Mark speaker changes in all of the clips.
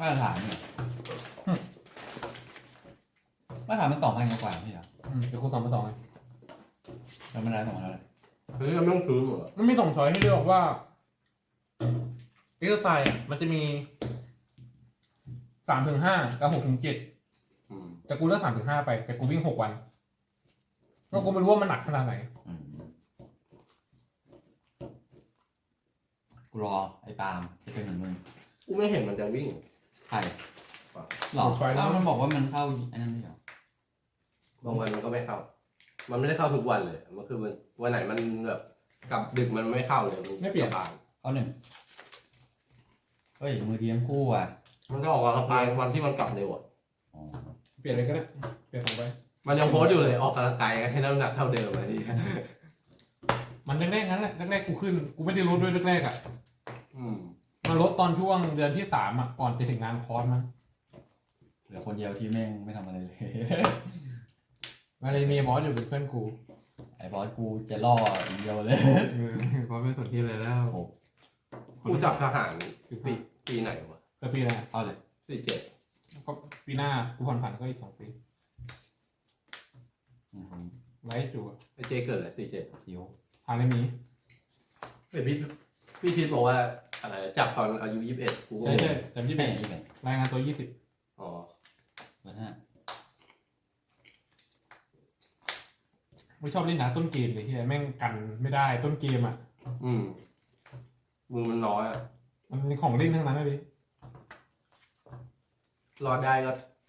Speaker 1: มาตรฐานเนี่ยมาตรฐานมัน2,000 กว่าพี่เหรอ
Speaker 2: เดี๋ยวคูณ2 ไป 2ไง
Speaker 1: แล้วมันได้2,000อะไร
Speaker 3: เฮ้ยเราไม่ต้องซื้อหมดเหรอ
Speaker 2: มันมี2 ช้อยให้เลือกว่าเอ็กซ์ไซส์มันจะมี3-5กับ6-7แต่กูเลือก3-5ไปแต่กูวิ่ง6 วันก็กูไม่รู้ว่ามันหนักขนาดไหน
Speaker 1: กูรอไอ้ปาล์มจะเป็นเหมือนมึง
Speaker 3: กูไม่เห็นมันจะวิ่ง
Speaker 1: ใครหรอแล้วมันบอกว่ามันเข้าไอ้นั่นไม่เหรอบ
Speaker 3: างวันมันก็ไม่เข้า มันไม่ได้เข้าทุกวันเลยมันคือมันวันไหนมันแบบกลับดึกมันไม่เข้าเลยมัน
Speaker 2: ไม่เปลี่ยน
Speaker 3: สบาย
Speaker 1: เข้า1เฮ้ยมือดีทั้งคู่อ่ะ
Speaker 3: มันก็ออกกำลังกายวันที่มันกลับเร็วอ่ะ
Speaker 1: อ๋อ
Speaker 2: เปลี่ยนเลยก็ได้เปลี่ยน2 ไป
Speaker 3: มันยังโพสต์อยู่เลยออกกำลังกายให้น้ำหนักเท่าเดิมเลยที่
Speaker 2: มันแรกๆงั้นแหละแรกๆกูขึ้นกูไม่ได้ลดด้วยแรกๆอ่ะ
Speaker 3: อืม
Speaker 2: มาลดตอนช่วงเดือนที่3อ่ะก่อนจะถึงงานคอร์สมั้ง
Speaker 1: เหลือคนเดียวที่แม่งไม่ทำอะไรเลย
Speaker 2: มาเลยมีบอสอยู่เป็นเพื่อนกู
Speaker 1: ไอ้บอสกูจะล่ออย่างเดียวเลย
Speaker 2: บอสไม่สนที่อะไรแล้ว
Speaker 1: โอ้
Speaker 3: กูจับทหารปีไหนวะ
Speaker 2: ก็ปีหน้า
Speaker 1: เอาเลย
Speaker 3: 47
Speaker 2: ก็ปีหน้ากูผ่อนผันก็อีก2 ปี ไลท์จูอะ
Speaker 3: ไอเจเกิดอะไร47
Speaker 1: คิว
Speaker 2: ผ่านเลยมี
Speaker 3: ไอพี่พีทบอกว่าอะไรจับตอนอายุ21กูก็
Speaker 2: ใช่
Speaker 3: ง
Speaker 2: ใช่
Speaker 3: ง
Speaker 2: จำที่
Speaker 1: แม่
Speaker 2: เป็น
Speaker 1: งอีกเลย
Speaker 2: รายงานตัว
Speaker 3: อ๋อ
Speaker 1: เบอร์ 5
Speaker 2: 20ไม่ชอบเล่นหนาต้นเกมเลยที่แม่งกันไม่ได้ต้นเกมอ่ะ
Speaker 3: มือมันน้อยอ่ะ
Speaker 2: มันมีของเล่นทั้งนั้นเลย
Speaker 3: รอดได้ก็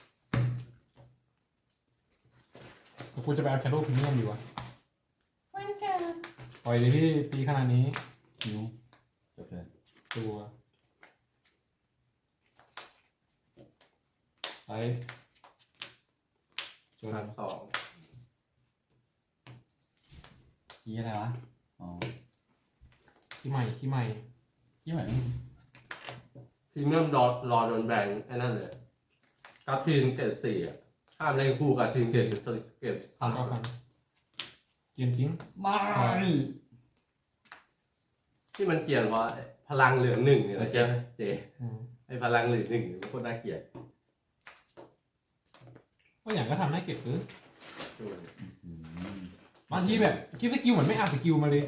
Speaker 2: แต่กูจะไปเอาแคโรพรีเมียมอยู่วะปล่อยเลยที่ตีขนาดนี้
Speaker 1: คิวจบเลย
Speaker 2: ตัวไลท์ตัว
Speaker 3: นั
Speaker 2: นั้
Speaker 3: ด
Speaker 2: น
Speaker 3: 2
Speaker 1: คีอะไรวะอ๋อ
Speaker 2: ขี้ใหม่
Speaker 1: คีเหมือน
Speaker 3: พรีเมียมรอโดนแบนไอ้นั่นเลยกับทีมเกรด4อ่ะห้ามเล่นคู่กับทีมเกรด
Speaker 2: พันก็พันเกมทิ้ง
Speaker 1: มา
Speaker 3: ที่มันเกลียดเพราะพลังเหลือง1เนี่ยนะเจ
Speaker 2: อืม
Speaker 3: ไอพลังเหลือง1มันโคตรน่าเกลียด
Speaker 2: ก็อย่างก็ทำให้เก็บซื้อ
Speaker 3: อืม
Speaker 2: บางทีแบบคิดสกิลเหมือนไม่อ่านสกิลมาเลย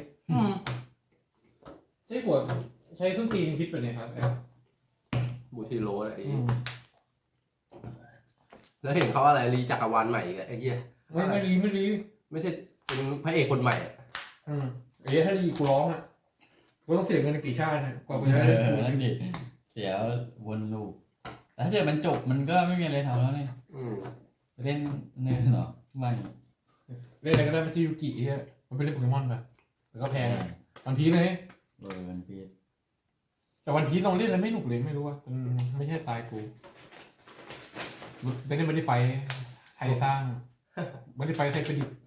Speaker 2: ใช่หัวใช้ส้นตีนคิดแบบนี้ครับ
Speaker 3: บูทีโรอะไรอย่างงี้แล้วเห็นเขาอะไรรีจักรวาลใหม่อีกอะไอ้เหี้ย
Speaker 2: ไม่รี
Speaker 3: ไม่ใช่เป็นพระเอกคนใหม่อะ
Speaker 2: ไอ้ถ้ารีกูร้องอ่ะกูต้องเสียเงินกี่ชาตินะกว่ากูจะ
Speaker 1: เอ
Speaker 2: ได้
Speaker 1: อ
Speaker 2: ถูก
Speaker 1: นั่นดิเสียวนลูปแต่ถ้าเกิดมันจบมันก็ไม่มีอะไรทำแล้วเนี่ย
Speaker 3: อืม
Speaker 1: เล่นเนื้อหรอไม่
Speaker 2: เล่นอะไรก็ได้ไม่ใช่ยูกิเฮียมันเป็นเล่นโปเกมอนไปแต่ก็แพงวันพีเลย
Speaker 1: มันพีด
Speaker 2: แต่วันพีลองเล่นแล้วไม่หนุกเลยไม่รู้ว่ามันไม่ใช่สไตล์กูไม่ได้ไฟไทยสร้างไม่ได้ไฟไทยประดิษฐ์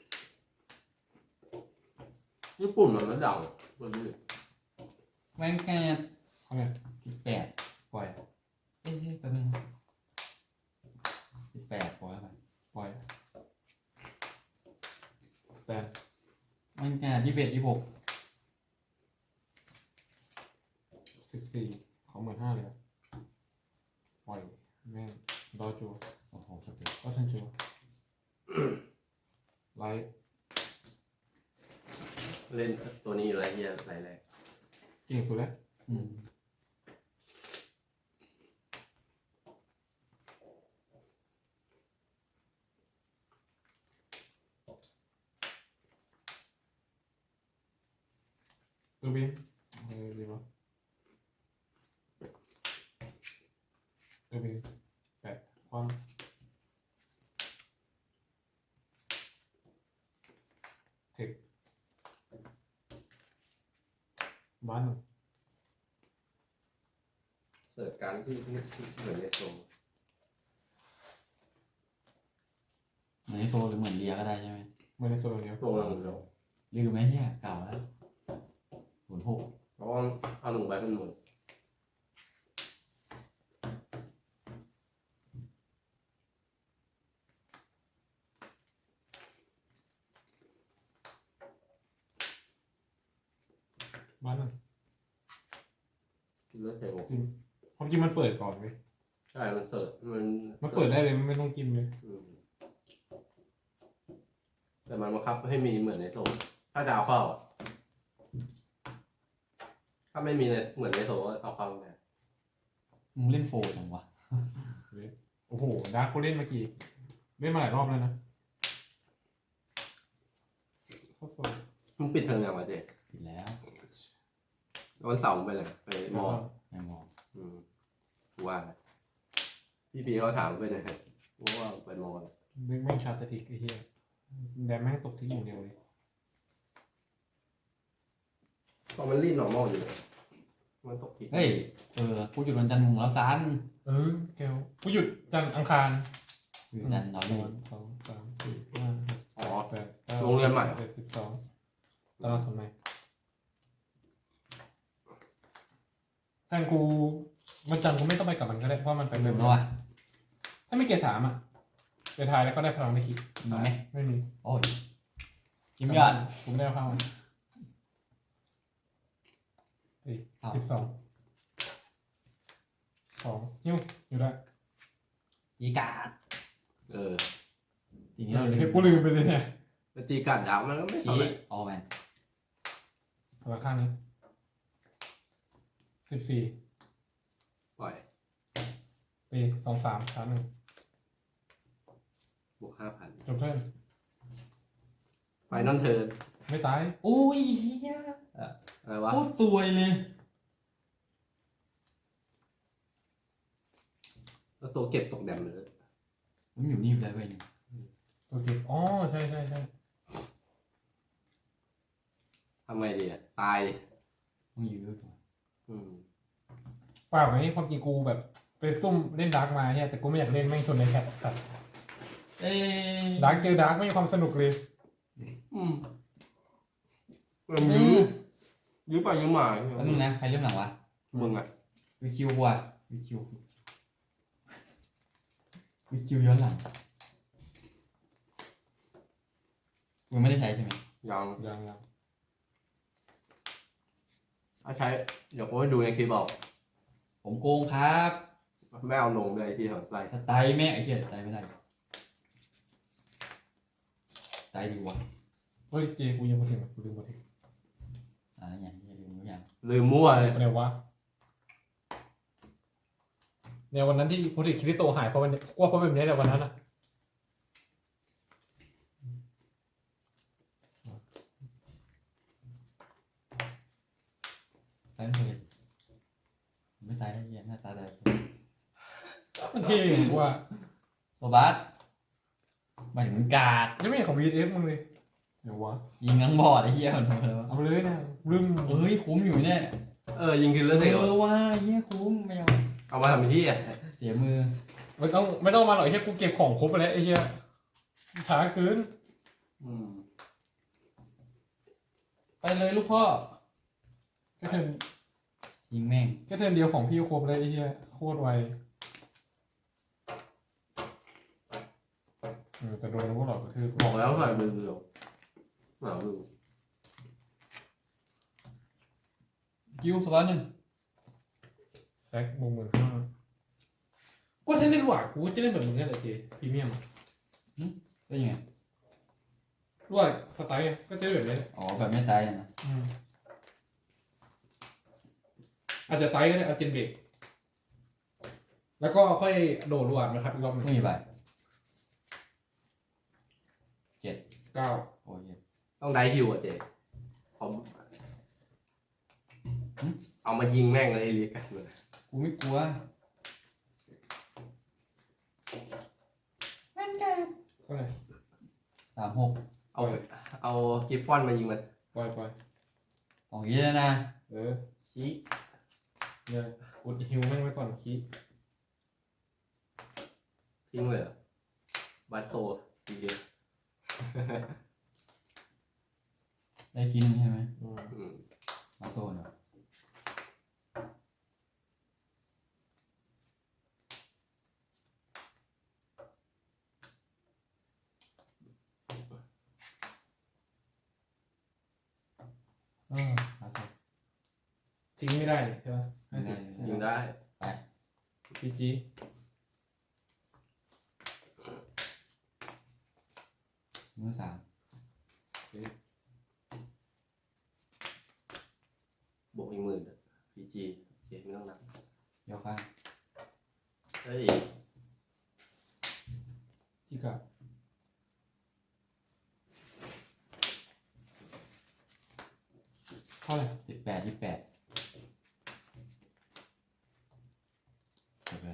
Speaker 3: ญี่ปุ่นมันไม่ดังคนนี้
Speaker 1: แม่งแค่
Speaker 2: เขาเนี่ย
Speaker 1: 18ปล่อยเอ๊ะแป๊บนึง18ปล่อยไป
Speaker 2: ปล่อยแต่
Speaker 1: แม่งแค่21 26
Speaker 2: 14ของ15,000เลยปล่อยแม่งรอจู
Speaker 1: โอ้โหสเต็ป
Speaker 2: ก็ทันจูไลท์
Speaker 3: เล่นตัวนี้อยู่ไรเหี้ยไรแรก
Speaker 2: เก่งสุดแล้ว
Speaker 1: อืม
Speaker 2: ดูบินดีมั้ยดูบินแปะความเทคบ้านหนึ่ง
Speaker 3: เสิร์ชการที่เหมือนในโซน
Speaker 1: เหมือนไอโฟหรือเหมือนเลียก็ได้ใช่ไหม
Speaker 2: เหมือนในโซนเนี้ย
Speaker 3: โซนเราเดียว
Speaker 1: ลืมไหมเนี่ยเก่าแล้ว06
Speaker 3: เพราะว่าเอาหนุ่มไปเป็นหนุ่ม
Speaker 2: บ้านหนึ่ง
Speaker 3: เลือดเทว
Speaker 2: จริงความจริงมันเปิดก่อนเว้ย
Speaker 3: ใช่มันเสิร์ฟมัน
Speaker 2: มันเปิดได้เลยมันไม่ต้องกินเลย
Speaker 3: อืมแต่มันบังคับให้มีเหมือนในโซนถ้าจะเอาเข้าอะถ้าไม่มีในเหมือนในโซนก็เอาเข้าไม่ได้
Speaker 1: มึงเล่นโฟร์จังวะ
Speaker 2: โอ้โหดาร์กกูเล่นมากี่เล่นมาหลายรอบแล้วนะเข้าโซน
Speaker 3: มึงปิดเทอมยังวะเจ๊
Speaker 1: ผิดแล้ว
Speaker 3: วันเสาร์มึงไปเลยไปมอ
Speaker 1: ไม่มอง
Speaker 3: อืมกูว่านะพี่ปีเขาถามไปไหนกูว่าไปมอเลย
Speaker 2: แม่งชาร์ตติกไอ้เหี้ยแดมแม่งตกที่อย่างเดียวเลย
Speaker 3: ตอนมันรีดหนอร์มอลอยู่เลยมันตกที
Speaker 1: เฮ้ยกูหยุดวันจันทร์มึงแล้วซัน
Speaker 2: เกลกูหยุดจันทร์อังคาร
Speaker 1: หยุดจันทร์เรา
Speaker 2: ห
Speaker 1: ดิ
Speaker 2: นึ่งสองสามสี่ห้า
Speaker 3: อ๋อ
Speaker 2: แปดเก้า
Speaker 3: โรงเรียนใหม่
Speaker 2: 12ตารางสมัยแฟนกูวันจันทร์กูไม่ต้องไปกับมันก็ได้เพราะมันไป
Speaker 1: ลื
Speaker 2: เร็
Speaker 1: ม
Speaker 2: ว
Speaker 1: แล้ววะ
Speaker 2: ถ้าไม่เกียร์3ไปทายแล้วก็ได้พลังไม่คิด
Speaker 1: มีไหม
Speaker 2: ไม่มี
Speaker 1: โอ้ยกิมยอด
Speaker 2: กูไม่ได้เอาเข้ามา12 2นิ้วอยู่ได้
Speaker 1: จีการ์ด
Speaker 3: เออ
Speaker 1: ทีนี้เราลืม
Speaker 2: กูลืมไปเลยเนี่ย
Speaker 3: แต่จีกัดดาวมันก็ไม่
Speaker 1: ชี้
Speaker 3: ทำอะไร
Speaker 1: ออแมน
Speaker 2: พลังข้างนี้14
Speaker 3: ปล่อย
Speaker 2: ตี23ชาร์จ1
Speaker 3: บวก5,000
Speaker 2: จบเทิร์น
Speaker 3: ไฟนอลเทิร์น
Speaker 2: ไม่ตาย
Speaker 1: โอ้ยเฮีย
Speaker 3: อะไรวะ
Speaker 1: โคตรสวยเลย
Speaker 3: แล้วตัวเก็บตกแดมเลย
Speaker 1: มันอยู่นี่ไปเลยเว้ย
Speaker 2: ตัวเก็บอ๋อใช่
Speaker 3: ทำไงดีอ่ะตาย
Speaker 1: มึงอยู่ด้วยตัว
Speaker 3: อืม
Speaker 2: เปล่าไงความจริงกูแบบไปซุ่มเล่นดาร์กมาใช่แต่กูไม่อยากเล่นแม่งชนในแคปสัตว์
Speaker 1: เอ้ย
Speaker 2: ดาร์กเจอดาร์กไม่มีความสนุกเลย
Speaker 3: อืมมันยื้อไปยื้อมา
Speaker 1: แล้วมึงนะใครเริ่มหลังวะ
Speaker 3: มึงอ่ะ
Speaker 1: วิคิวว่ะวิคิวย้อนหลังมึงไม่ได้ใช้ใช่ไหม
Speaker 3: ยัง
Speaker 2: ยัง
Speaker 3: ถ้าใช้เดี๋ยวกูให้ดูในคลิปบอก
Speaker 1: ผมโกงครับ
Speaker 3: ไม่เอาลงเลยที่ทำไร
Speaker 1: สไตล์แม่ไอ้เหี้ยสไตล์ไม่ได้สไตล์ดีวะ
Speaker 2: เฮ้ยเจกูยังมาถึงกูลืมมาถึง
Speaker 1: อย่างเงี้ยลืมทุกอย่าง
Speaker 3: ลืมมั่วเลย
Speaker 2: อะไรวะเนี่ยวันนั้นที่พูดถึงคิริโตหายเพราะวันนี้กว่าเพราะแบบนี้แหละวันนั้นอ่ะ
Speaker 1: ตายไม่เคยไม่ตายได้เหี้ยหน้าตาได้
Speaker 2: มันเท่อย่างกูว่า
Speaker 1: โรบัสหมายถึงมันกาก
Speaker 2: ยังไม่เห็นของ VF มึงเลยเดี๋ยววะ
Speaker 1: ยิงทั้งบอร์ดไอ้เหี้ยมันทำอะไรวะ
Speaker 2: เอาไปเลยนะลืม
Speaker 1: เฮ้ยคุ้มอยู่เนี่ย
Speaker 3: ยิงคิลเลอร์เสก
Speaker 1: ว่าเหี้ยคุ้มไม่เอา
Speaker 3: เอามาทำที่อ่ะ
Speaker 1: เสียมือ
Speaker 2: ไม่ต้องมาหรอกไอ้เหี้ยกูเก็บของครบไปแล้วไอ้เหี้ยช้าเกิน
Speaker 3: อืม
Speaker 1: ไปเลยลูกพ่อ
Speaker 2: แค่เทิร์น
Speaker 1: ยิงแม่ง
Speaker 2: แค่เทิร์นเดียวของพี่ครบเลยไอ้เหี้ยโคตรไวแต่โดนพวกเรากระทืบ
Speaker 3: บอกแล้วหน่อยมือเดียวหนามือ
Speaker 1: กิ้วสวัสดิ์หนึ่ง
Speaker 2: แซกมุมเหมือนข้างก็จะเล่นหวานกูจะเล่นแบบมึงนี่แหละเจพรีเมียม
Speaker 1: ได้ยังไง
Speaker 2: ด้วยสไตล์ก็จะแบบนี้
Speaker 1: อ๋อแบบไม่ตายนะ
Speaker 2: อาจจะไตก็ได้เอาเจนเบรกแล้วก็ค่อยโดดหวานนะครับอีกรอบหนึง
Speaker 1: ไม่มีใบ
Speaker 2: 9
Speaker 1: โอ้ย
Speaker 3: ต้องได้ฮิวอ่ะเจ๊ผมเอามายิงแม่งเลยเรียกกันเลย
Speaker 1: กูไม่กลัว
Speaker 2: เท่าไหร่
Speaker 1: 36
Speaker 3: เอากิฟฟอนมายิงมัน
Speaker 2: ปล่อย
Speaker 1: ของเยอะนะ
Speaker 3: ชี้
Speaker 2: เนี่ยกดฮิวแม่งไว้ก่อนคีย์
Speaker 3: ทิ้งเลยเหรอบัตโตทีเดียว
Speaker 1: ได้กินใช่ไหม
Speaker 3: อืม
Speaker 1: มาโตเนาะมาโต
Speaker 2: ทิ้งไม่ได้นี่ใช่ไหม
Speaker 1: ไม่ได้
Speaker 3: ยิงได้
Speaker 2: จีจี
Speaker 1: มือสาม
Speaker 3: บวกอีก10,000อ่ะ PG โอเคไม่ต้องนับ
Speaker 1: ยกข้าง
Speaker 3: เฮ้ย
Speaker 2: จิกะเท่าไหร่
Speaker 1: 18 28โอเค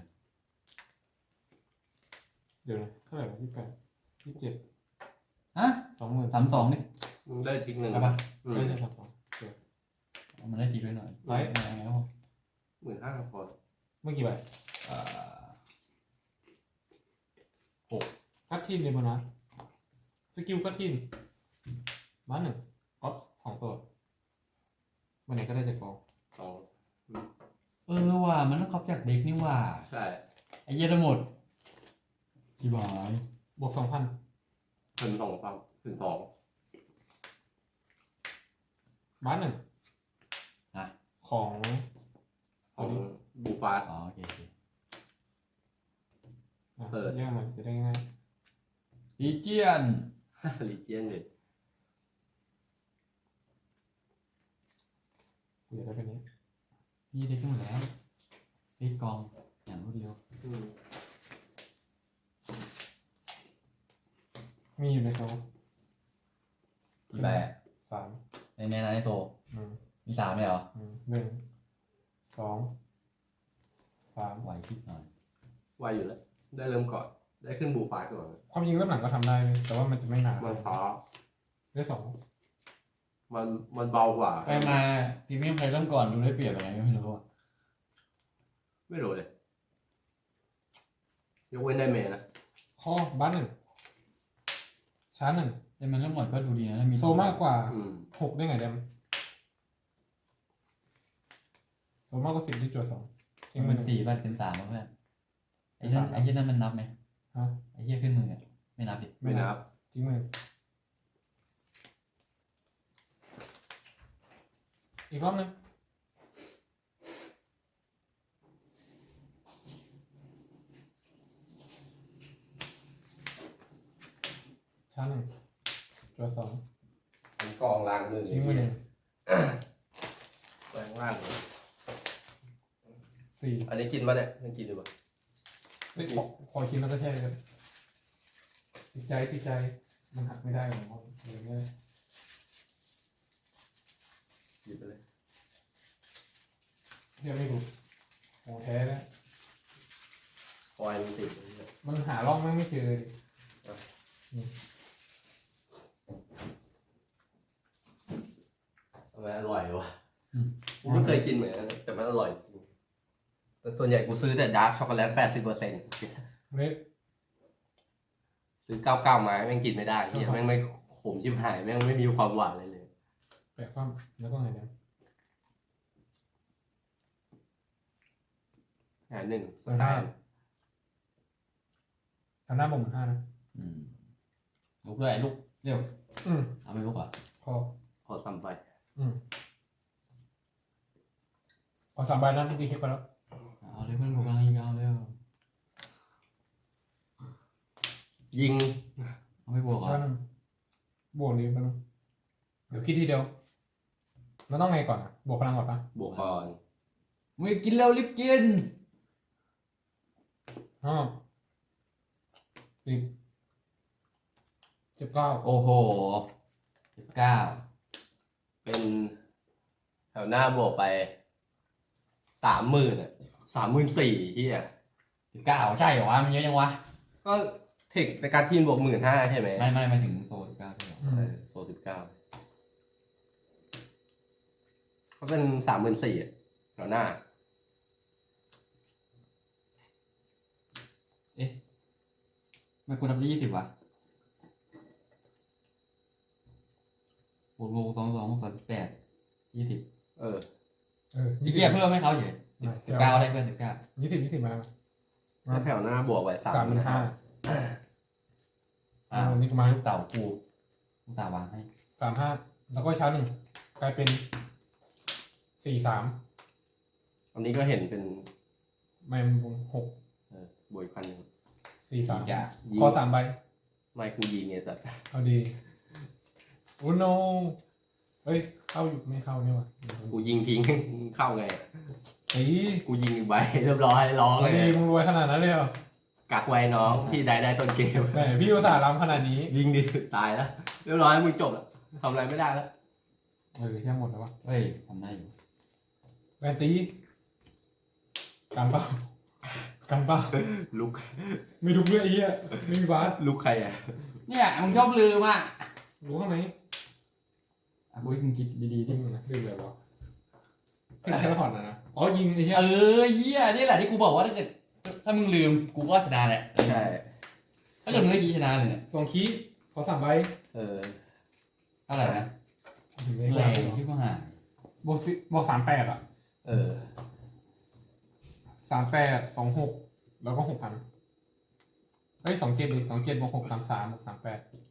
Speaker 2: เดี๋ยวนะเท่าไหร่วะ28 27
Speaker 1: ฮะ
Speaker 2: 20,000
Speaker 1: 32นี่
Speaker 3: มึงได้ทิกหนึ่ง
Speaker 1: เอาปะ
Speaker 2: ใช่ใช่32
Speaker 1: มันได้ทีด้วยหน่อย
Speaker 2: ไลฟ์
Speaker 1: ยังไงครับผม
Speaker 3: 15,000พอ
Speaker 2: เมื่อกี่ใบ
Speaker 1: เอ่อ
Speaker 2: กัดทีนเลยมั้งนะสกิลกัดทีนบ้านหนึ่งก๊อป2 ตัววันไหนก็ได้จากกอง
Speaker 3: 2
Speaker 1: ว่ะมันต้องครอบจากเด็กนี่ว่ะ
Speaker 3: ใช่
Speaker 1: ไอ้เหี้ยทั้งหมดชิบหาย
Speaker 2: บวก 2,000
Speaker 3: ถึง2ปั๊บถึง2
Speaker 2: บ้านหนึ่ง
Speaker 1: นะ
Speaker 2: ของ
Speaker 3: ของบูฟาส
Speaker 1: อ๋อโอเคโอเค
Speaker 2: อ่ะ
Speaker 3: เปิด
Speaker 2: แยกมาจะได้ง่าย
Speaker 1: ลีเจียน
Speaker 3: ลีเจียนเลย
Speaker 2: กูอยากได้เป็นนี้
Speaker 1: นี่เด็กหมดแล้วปิดกองอย่างรวดเร็ว
Speaker 2: มีอยู่ในโซ่
Speaker 1: กี่ใบอะ
Speaker 2: 3
Speaker 1: ในโซ
Speaker 2: อืม
Speaker 1: มี3เลยเหรอ
Speaker 2: 1 2 3
Speaker 1: ไหวคิดหน่อย
Speaker 3: ไวอยู่แล้ว ได้เริ่มก่อน ได้ขึ้นบูฟาสก่อน
Speaker 2: ความจริงเริ่มหลังก็ทำได้เลยแต่ว่ามันจะไม่นาน
Speaker 3: มันท้อ
Speaker 2: ได้2
Speaker 3: มันเบากว่า
Speaker 1: ไปมาพรีเมียมใครเริ่มก่อนดูได้เปรียบอะไรไม่รู้อะ
Speaker 3: ไม่รู้เลย ยกเว้นได้เมย์นะ
Speaker 2: ข้อบ้านหนึ่งชาร์จหนึ่ง
Speaker 1: แต่มันเริ่มหมดก็ดูดีนะถ้ามี
Speaker 2: โซมากกว่า
Speaker 3: อืม
Speaker 2: 6 ได้ไงเดมโซมากกว่า10ที่จวด2ทิ้ง
Speaker 1: มั
Speaker 2: มาน หนึ่ง
Speaker 1: 4 บ้านเป็น3แล้วเพื่อนไอ้นั่นไอ้เหี้ยนั่นมันนับไหม
Speaker 2: ฮะ
Speaker 1: ไอ้เหี้ยขึ้นมืออะไม่นับดิ
Speaker 3: ไม่นับ
Speaker 2: ทิ้งมาหนึ่งอีกรอบหนึงชาร์จหนึ่งจวด2
Speaker 3: มันกองล่างมือ
Speaker 2: ทิ้งมาหนึ่ง
Speaker 3: แรงล่างเลย
Speaker 2: 4
Speaker 3: อันนี้กินมาเนี่ยยังกินอยู่ปะ
Speaker 2: เฮ้ยขอคิดแล้วก็แช่เลยติดใจมันหักไม่ได้หรอกอย่างเงี้ย
Speaker 3: หยิบไปเลย
Speaker 2: เรียกไม่ถูกของแท้แล้ว
Speaker 3: คอยมันติดเลยเนี่ย
Speaker 2: มันหาร่องไม่เจอเลย
Speaker 3: ทำไมอร่อยวะกูไม่เคยกินเหมือนกันแต่มันอร่อยจริงแต่ส่วนใหญ่กูซื้อแต่ดาร์กช็อกโกแลต 80%
Speaker 2: เล็ก
Speaker 3: ซื้อ99 ไม้แม่งกินไม่ได้เฮียแม่งไม่ขมชิบหายแม่งไม่มีความหวานเลย
Speaker 2: แปะฟ้ามแล้วก็ไงเนี่ย
Speaker 3: หนึ่งส
Speaker 2: มัน
Speaker 3: ไต
Speaker 2: ห้า
Speaker 3: ล์
Speaker 2: ทำหน้าบ่ง5นะ
Speaker 1: ลุกด้วยลุกเร็ว
Speaker 2: อืม
Speaker 1: เอาไปลุกอ่ะ
Speaker 2: พอ
Speaker 3: พอซ้ำไป
Speaker 2: พอ3 ใบนะเมื่อกี้เช็คไปแล้ว
Speaker 1: เอาเลยเพื่อนบุกกำลังยิงเอาเร็ว
Speaker 3: ยิง
Speaker 1: เอาไม่บวกเหร
Speaker 2: ใช่
Speaker 1: อ่ะ
Speaker 2: นึงบวกนี้ไปนึงเดี๋ยวคิดทีเดียวมันต้องไงก่อนอ่ะบวกพลังก่อนปะ
Speaker 3: บวกก่อน
Speaker 1: มึงกินเร็วรีบกิน
Speaker 2: อ๋อ10 19
Speaker 3: โอ้โห
Speaker 1: 19
Speaker 3: เป็นแถวหน้าบวกไป 30,000 อ่ะ 34,000ที่อ่ะ
Speaker 1: 19ใช่เหรอวะมันเยอะยังวะ
Speaker 3: ก็เทคในการทีมบวก 15,000 ใช่ไหม
Speaker 1: ไม่มาถึงโซ19ใช่เหรอ
Speaker 3: โซ19ก็เป็น 34,000อ่ะแถวหน้า
Speaker 1: ไม่คุณทำได้20วะบวก22 38 20
Speaker 3: เออ
Speaker 1: พี่เกียร์เพิ่มให้เขาอยู่19ได้เพื่อน19
Speaker 2: 20มา
Speaker 3: แล้วแถวหน้าบวกไป
Speaker 2: 35,000 นี่ก็มา
Speaker 1: ลูกเต่ากูลูกเต่าวางให้
Speaker 2: 35แล้วก็ชาร์จหนึ่งกลายเป็น43
Speaker 3: อันนี้ก็เห็นเป็น
Speaker 2: ไม่6
Speaker 3: บวกอีก1,000
Speaker 2: 43
Speaker 1: จ้ะ
Speaker 2: ขอ3 ใบ
Speaker 3: ไม่กูยิงไงแต่
Speaker 2: เอาดีโอ้โนเฮ้ยเข้าอยู่ไม่เข้านี่วะ
Speaker 3: กูยิงทิ้งเข้าไง
Speaker 2: ไอ้
Speaker 3: กูยิงอีกใบเรียบร้อยร้อง
Speaker 2: เอา
Speaker 3: เล
Speaker 2: ดี
Speaker 3: ย
Speaker 2: มึงรวยขนาดนั้นเลยเหรอ
Speaker 3: กักไว้น้องพี่ได้ต้นเกม
Speaker 2: แหมพี่อุตส่าห์ล้ำขนาดนี้
Speaker 3: ยิงดิตายแล้วเรียบร้อยมึงจบแล้วทำอะไรไม่ได้แล้ว
Speaker 2: แค่หมดแล้ววะ
Speaker 1: เฮ้ยทำได้อยู่
Speaker 2: แวนตีกันเปล่ากันเปล่า
Speaker 3: ลุก
Speaker 2: ไม่ทุกเรื่องไอ้เหี้ยไม่มีบาส
Speaker 3: ลุกใครอ่ะ
Speaker 1: เนี่ยมึงชอบลืมอ่ะ
Speaker 2: รู้ข้างไหน
Speaker 1: อ่ะกูให้มึงคิดดีๆดิ
Speaker 2: ดิ้งนะดิ้งเลยวะเพิ่งแค่ถอดนะอ๋อยิงไอ้เหี้ย
Speaker 1: เหี้ยนี่แหละที่กูบอกว่าถ้าเกิดถ้ามึงลืมกูก็ชนะแหละ
Speaker 3: ใช่
Speaker 1: ถ้าเกิดมึงไม่กี้ชนะเลยเนี่ย
Speaker 2: สองคีขอ3 ใบ
Speaker 1: เท่าไหร่นะ
Speaker 2: ถึงได้
Speaker 1: แร
Speaker 2: แรง
Speaker 1: งที่กูหา
Speaker 2: บวก38อ่ะ38 26แล้วก็6,000เฮ้ย27ดิ27บวก6 33บวก38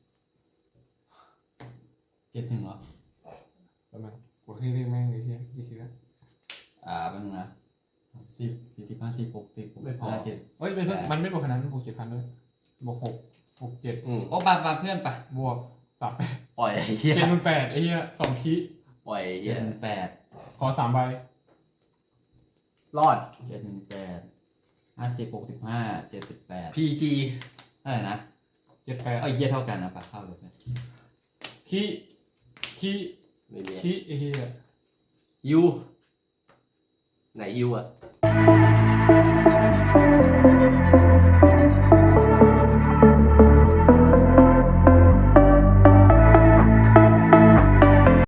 Speaker 1: 71เหรอ
Speaker 2: แล้วมันกูที่เรียกแม่งไอ้เหี้ยกี่ทีแล้ว
Speaker 1: แป๊บนึงนะ10 45 46 57
Speaker 2: เฮ้ยเป็นเพิ่งมันไม่บวกขนาดนั้นบวก7,000ด้วยบวก6บวก7
Speaker 1: โอ้ปาเพื่อนปะ
Speaker 2: บวก38
Speaker 3: ปล่อยไอ้เหี้ย
Speaker 2: 78ไอ้เหี้ย2คี
Speaker 3: ปล่อยไอ้เหี้ย
Speaker 1: 78
Speaker 2: ขอ3 ใบ
Speaker 3: รอด
Speaker 1: 78 50 65 78
Speaker 3: PG
Speaker 1: เท่าไหร่นะ
Speaker 2: 78
Speaker 1: ไอ้เหี้ยเท่ากันนะปะเข้าเลย
Speaker 2: คี
Speaker 3: ไม่มี
Speaker 2: คีไอ้เหี้ย
Speaker 3: ยูไหนยูอ่ะ